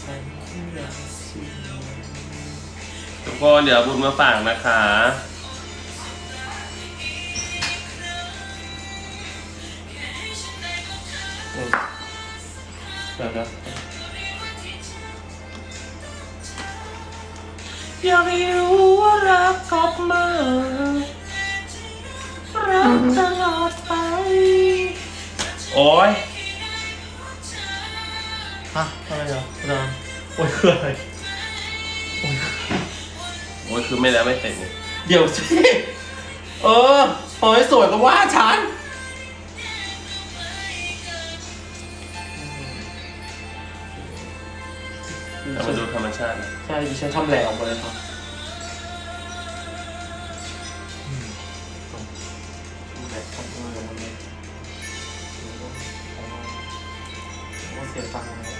ทุกคนเดี๋ยวบุญมาฝากนะคะอยากให้รู้ว่ารักกลับมารักตลอดไปโอ้ยฮะอะไรเหรออาจารย์โอ้ยคืออะไรโอ้ยคือไม่แล้วไม่เสร็จนี่เดี๋ยวสิพอให้สวยก็ว่าฉันเรามาดูธรรมชาตินะใช่ดิฉันทำแหลกออกมาเลยครับแหลกออกมาเลยว่าเสียตังค์เลย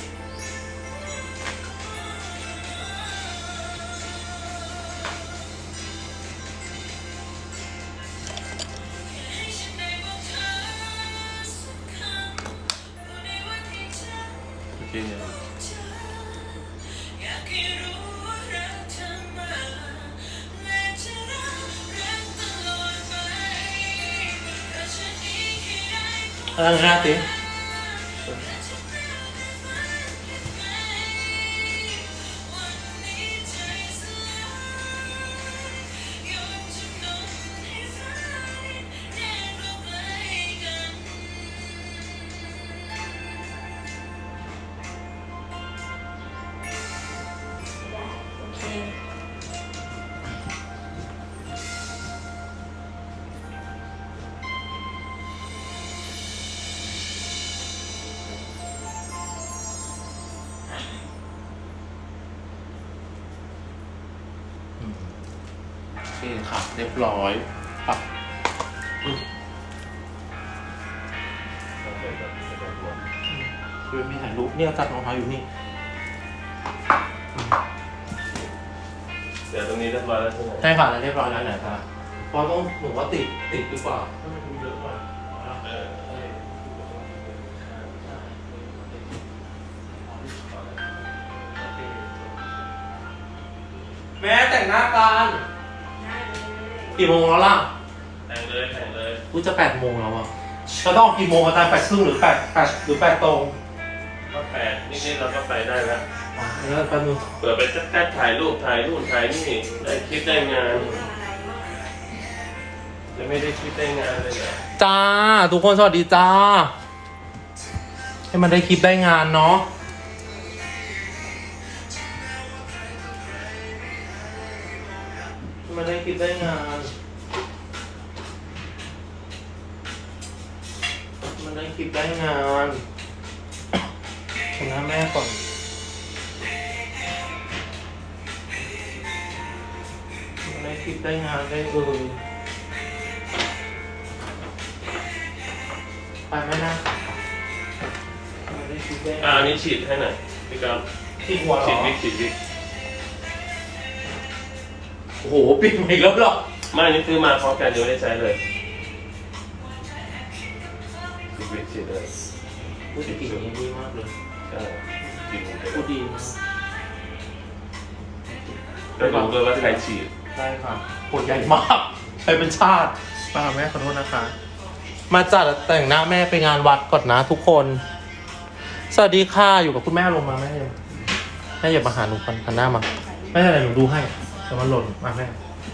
โอเคเนี่ยอะไรนะสิโอเคค่ะเรียบร้อยปักคือมีถ่ายรูปเนี่ยตัดรองเท้าอยู่นี่เดี๋ยวตรงนี้เรียบร้อยแล้วใช่ไหมใช่ค่ะแล้วเรียบร้อยแล้วไหนคะเพราะต้องหนูว่าติดดีกว่าถ้ามันเยอะกว่าแม่แต่งหน้ากันกี่โมงแล้วล่ะแต่งเลยกูจะ8 โมงแล้วอ่ะเราต้องกี่โมงอาจารย์8 ครึ่งหรือ8 ตรงก็8นิดๆเราก็ไปได้แล้วแล้วแป๊บนึงเปิดไปแค่ถ่ายรูปถ่ายนู่นถ่ายนี่ได้คลิปได้งานจะไม่ได้คลิปได้งานเลยเหรอจ้าทุกคนสวัสดีจ้าให้มันได้คลิปได้งานเนาะให้มันได้คลิปได้งานมันได้คลิปได้งานชนะแม่ก่อนมันได้คลิปได้งานได้ไปไหมนะมันได้คลิปได้อันนี้ฉีดให้หน่อยพี่ก๊อฟฉีดหัวหรอฉีดวิกโอ้โหปิดมาอีกแล้วหรอไม่นี่ซื้อมาพร้อมกันเดี๋ยวได้ใช้เลยฉีดเลยพูดจริงๆดีมากเลยใช่พูดดีนะก็รู้เลยว่าใครฉีดได้ค่ะปวดใหญ่มากใช้เป็นชาติป้าแม่ขอโทษนะคะมาจัดแต่งหน้าแม่ไปงานวัดก่อนนะทุกคนสวัสดีค่ะอยู่กับคุณแม่ลงมาแม่อย่ามาหาหนูพันหน้ามาไม่เป็นไรหนูดูให้แต่มันหล่นมาแม่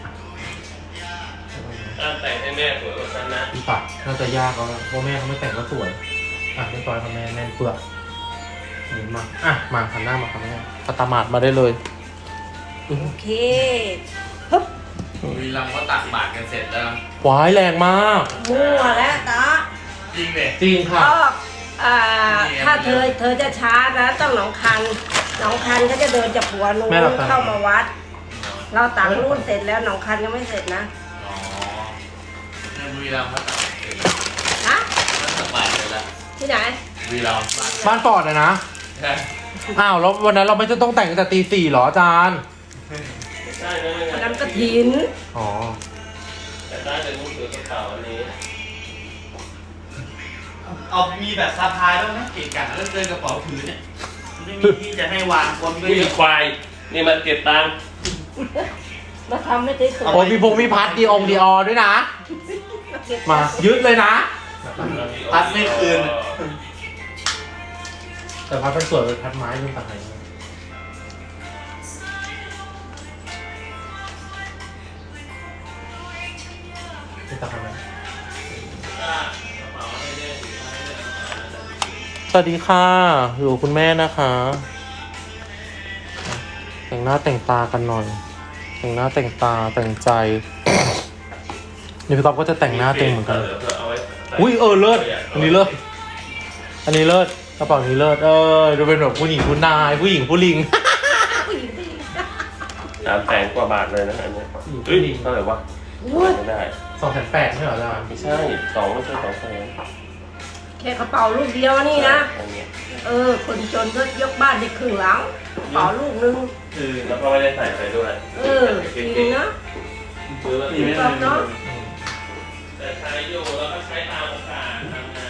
แต่งให้แม่สวยกว่าฉันนะพี่ปัดน่าจะยากแล้วเพราะแม่เขาไม่แต่งก็สวยเรียบร้อยค่ะแม่แน่นเปลือกนี่มามาพันหน้ามาค่ะแม่ปตมาดมาได้เลยโอเคฮึบวีรังก็ตักบาตรกันเสร็จแล้วหวายแรงมากมั่วแล้วตาจริงเลยจริงค่ะถ้าเธอจะช้านะต้องหนองคันก็จะเดินจากหัวนู้นเข้ามาวัดเราตักนู่นเสร็จแล้วหนองคันยังไม่เสร็จนะในวีรังก็ตักฮะตักบาตรเสร็จแล้วที่ไหนวีรังบ้านปอดนะอ้าวแล้ววันนั้นเราไม่จะต้องแต่งตั้งแต่ตี 4หรออาจารย์ใช่วันนั้นกฐินอ๋อแต่ได้แต่มือถือกระเป๋าอันนี้เอามีแบบสะพายแล้วนะเกะกะแล้วเดินกระเป๋าถือเนี่ยไม่มีที่จะให้วางคนก็นี่เยอะควายนี่มันเก็บตังค์มาทำไม่ได้สวยโอ้ยมีพงมีพัดดีองดีออด้วยนะ มายึดเลยนะพัดไม่คืนแต่พัดเป็นสวยเป็นพัดไม้เป็นต่างไหนเป็นต่างไหนสวัสดีค่ะอยู่กับคุณแม่นะคะ แต่งหน้าแต่งตากันหน่อย แต่งหน้าแต่งตาแต่งใจ นี่พี่ก๊อฟก็จะแต่งหน้าเต็มเหมือนกัน อุ้ยเลิศอันนี้เลิศอันนี้เลิศกระเป๋านี้เลิศดูเป็นแบบผู้หญิงผู้นายผู้หญิงผู้ลิงผู้หญิงผู้หญิง 300,000 กว่าบาทเลยนะอันนี้เฮ้ยเท่าไหร่วะไม่ได้ 280,000ไม่เหรออาจารย์ไม่ใช่2ไม่ใช่200,000 แค่กระเป๋าลูกเดียวนี่นะอันนี้คนจนก็ยกบ้านได้ครึ่งหลังกระเป๋าลูกนึงคือแล้วก็ไม่ได้ใส่ไปด้วยจริงนะซื้อมาที่ไม่ได้เนาะแต่ใช้อยู่แล้วก็ใช้ตามโอกาสทำงาน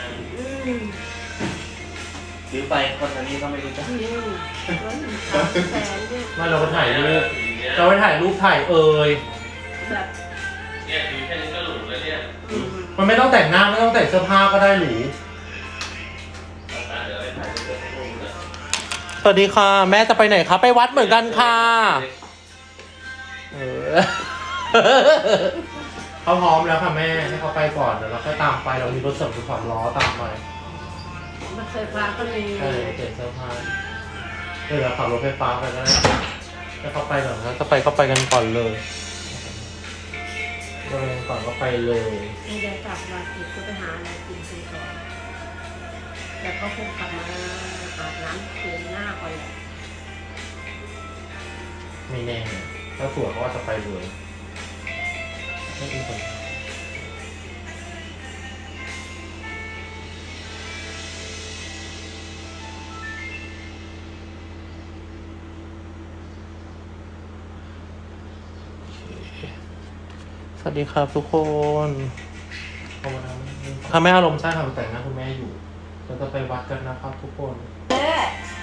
ซื้อไปคนอันนี้ก็ไม่รู้จะ 300,000เนี่ยไม่เราไปถ่ายรูปเราไปถ่ายรูปถ่ายแบบเนี่ยถือแค่นี้ก็หรูแล้วเนี่ยมันไม่ต้องแต่งหน้าไม่ต้องแต่งเสื้อผ้าก็ได้หรูเดี๋ยวไปถ่ายรูปกับพวกนี้นะสวัสดีค่ะ แม่จะไปไหนคะไปวัดเหมือนกันค่ะเขาพร้อมแล้วค่ะแม่ให้เขาไปก่อนเดี๋ยวเราค่อยตามไปเรามีรถเสริมความล้อตามไปรถไฟฟ้าก็มีใช่เปลี่ยนเสื้อผ้าเราขับรถไฟฟ้าไปก็ได้ให้เขาไปก่อนนะถ้าไปก็ไปกันก่อนเลยไปกันก่อนก็ไปเลยไม่ได้กลับมาติดก็ไปหาอะไรกินกันก่อนแล้วก็คงกลับมาอาบน้ำเปลี่ยนหน้าก่อนแหละไม่แน่ถ้าสวยเขาว่าจะไปเลยไม่อีกคนสวัสดีครับทุกคนถ้าแม่อารมณ์ใช่ค่ะแต่งหน้าคุณแม่อยู่เราจะไปวัดกันนะครับทุกคน